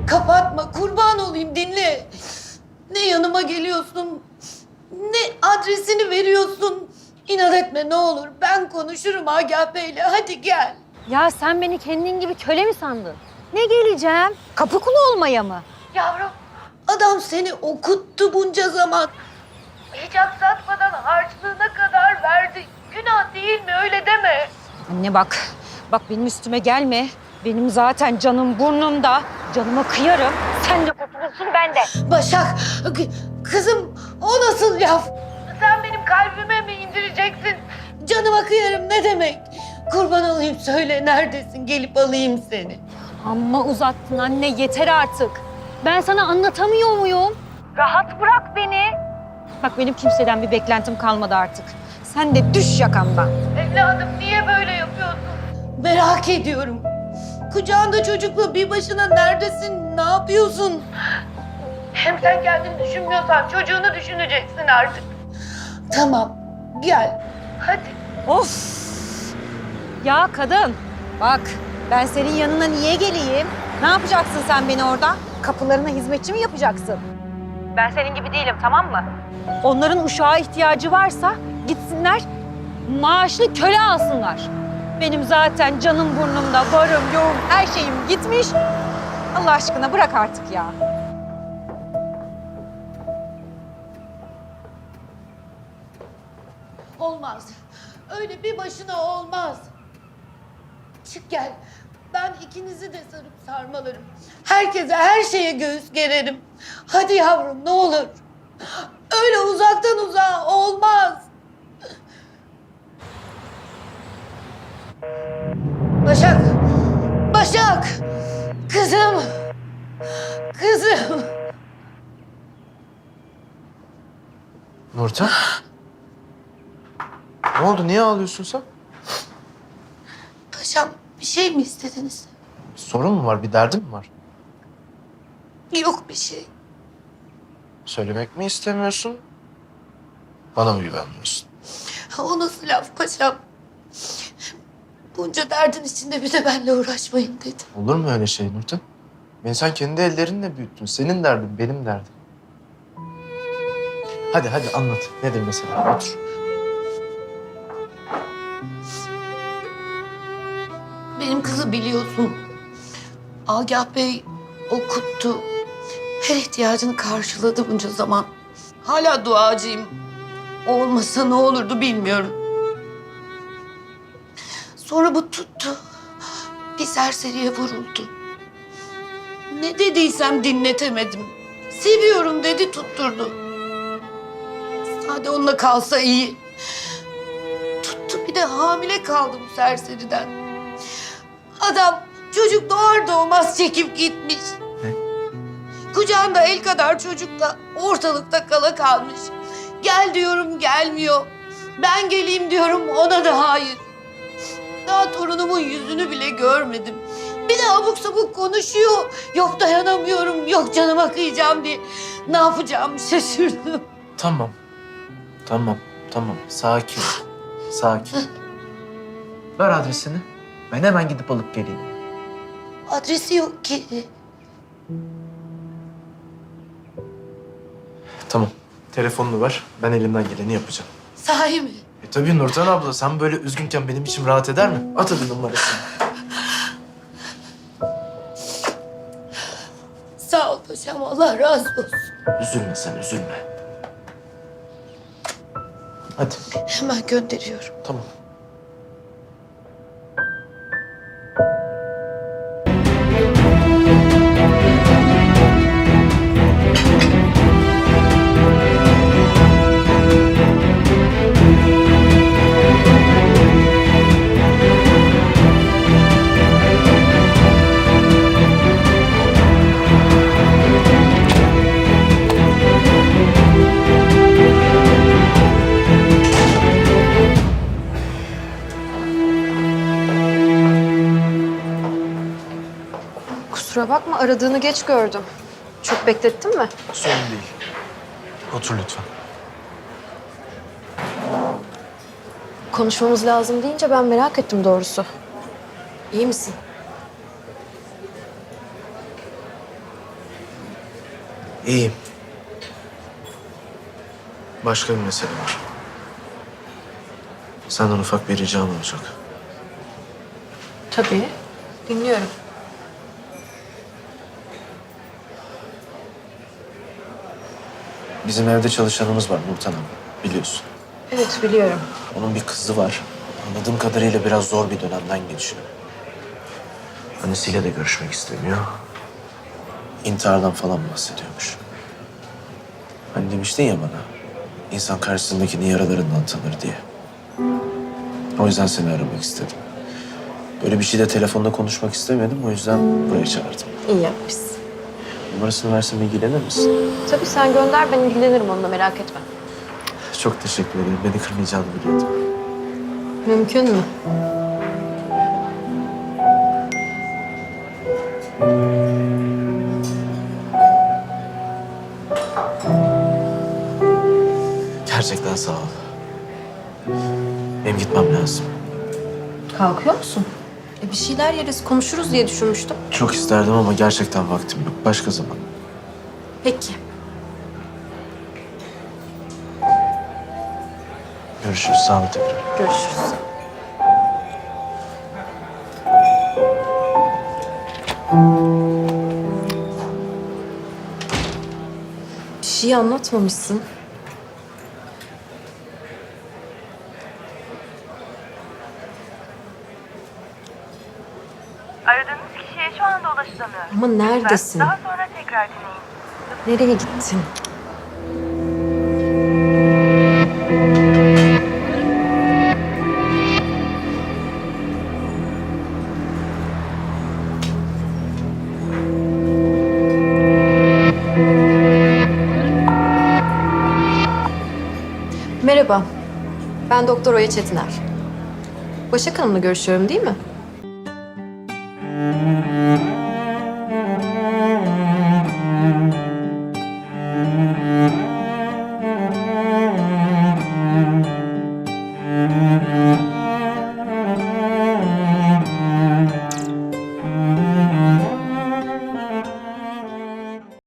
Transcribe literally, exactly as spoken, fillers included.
Kapatma, kurban olayım, dinle. Ne yanıma geliyorsun, ne adresini veriyorsun. İnat etme ne olur. Ben konuşurum Agah Bey'le. Hadi gel. Ya sen beni kendin gibi köle mi sandın? Ne geleceğim? Kapı kulu olmaya mı? Yavrum, adam seni okuttu bunca zaman. Hiç aksatmadan harçlığına kadar verdi. Günah değil mi? Öyle deme. Anne bak, bak benim üstüme gelme. Benim zaten canım burnumda. Canıma kıyarım. Sen de kurtulursun ben de. Başak, kızım o nasıl laf? Sen benim kalbime mi indireceksin? Canıma kıyarım ne demek? Kurban olayım söyle neredesin? Gelip alayım seni. Amma uzattın anne, yeter artık. Ben sana anlatamıyor muyum? Rahat bırak beni. Bak benim kimseden bir beklentim kalmadı artık. Sen de düş yakamdan. Evladım niye böyle yapıyorsun? Merak ediyorum. Kucağında çocukla bir başına neredesin? Ne yapıyorsun? Hem sen kendini düşünmüyorsan çocuğunu düşüneceksin artık. Tamam, gel. Hadi. Of! Ya kadın, bak ben senin yanına niye geleyim? Ne yapacaksın sen beni orada? Kapılarına hizmetçi mi yapacaksın? Ben senin gibi değilim, tamam mı? Onların uşağa ihtiyacı varsa gitsinler, maaşlı köle alsınlar. Benim zaten canım burnumda, varım, yoğum, her şeyim gitmiş. Allah aşkına bırak artık ya. Olmaz. Öyle bir başına olmaz. Çık gel. Ben ikinizi de sarıp sarmalarım. Herkese, her şeye göğüs gererim. Hadi yavrum ne olur. Öyle uzaktan uzağa olmaz. Başak! Başak! Kızım! Kızım! Nurten? Ne oldu? Niye ağlıyorsun sen? Paşam bir şey mi istediniz? Bir sorun mu var? Bir derdin mi var? Yok bir şey. Söylemek mi istemiyorsun? Bana mı güvenmiyorsun? O nasıl laf paşam? Bunca derdin içinde bir de benimle uğraşmayın dedi. Olur mu öyle şey Nurten? Beni sen kendi ellerinle büyüttün. Senin derdin, benim derdim. Hadi hadi anlat. Nedir mesela? Otur. Benim kızı biliyorsun. Agah Bey okuttu. Her ihtiyacını karşıladı bunca zaman. Hala duacıyım. O olmasa ne olurdu bilmiyorum. Sonra bu tuttu. Bir serseriye vuruldu. Ne dediysem dinletemedim. Seviyorum dedi tutturdu. Sade onunla kalsa iyi. Tuttu bir de hamile kaldı bu serseriden. Adam çocuk doğar doğmaz çekip gitmiş. Ne? Kucağında el kadar çocukla ortalıkta kala kalmış. Gel diyorum gelmiyor. Ben geleyim diyorum ona da hayır. Daha torunumun yüzünü bile görmedim. Bir de abuk sabuk konuşuyor. Yok dayanamıyorum, yok canıma kıyacağım diye. Ne yapacağımı şaşırdım. Tamam. Tamam. Tamam. Sakin. Sakin. Ver adresini. Ben hemen gidip alıp geleyim. Adresi yok ki. Tamam. Telefonunu ver. Ben elimden geleni yapacağım. Sahi mi? E tabii Nurten abla, sen böyle üzgünken benim içim rahat eder mi? At hadi numarasını. Sağ ol paşam, Allah razı olsun. Üzülme sen, üzülme. Hadi. Hemen gönderiyorum. Tamam. Kusura bakma, aradığını geç gördüm. Çok beklettin mi? Sorun değil. Otur lütfen. Konuşmamız lazım deyince ben merak ettim doğrusu. İyi misin? İyiyim. Başka bir mesele var. Senden ufak bir ricam olacak. Tabii. Dinliyorum. Bizim evde çalışanımız var Nurten Hanım, biliyorsun. Evet, biliyorum. Onun bir kızı var. Anladığım kadarıyla biraz zor bir dönemden geçiyor. Annesiyle de görüşmek istemiyor. İntihardan falan bahsediyormuş. Hani demiştin ya bana, insan karşısındakini yaralarından tanır diye. O yüzden seni aramak istedim. Böyle bir şey de telefonda konuşmak istemedim, o yüzden buraya çağırdım. İyi yapmışsın. Numarasını versem ilgilenir misin? Tabii sen gönder, ben ilgilenirim onunla, merak etme. Çok teşekkür ederim, beni kırmayacağını biliyordum. Mümkün mü? Gerçekten sağ ol. Benim gitmem lazım. Kalkıyor musun? E bir şeyler yeriz, konuşuruz diye düşünmüştüm. Çok isterdim ama gerçekten vaktim yok. Başka zaman. Peki. Görüşürüz. Sağ ol tekrar. Görüşürüz. Bir şey anlatmamışsın. Aradığınız kişiye şu anda ulaşılamıyor. Ama neredesin? Daha sonra tekrar deneyin. Nereye gittin? Merhaba. Ben Doktor Oya Çetiner. Başak Hanım'la görüşüyorum değil mi?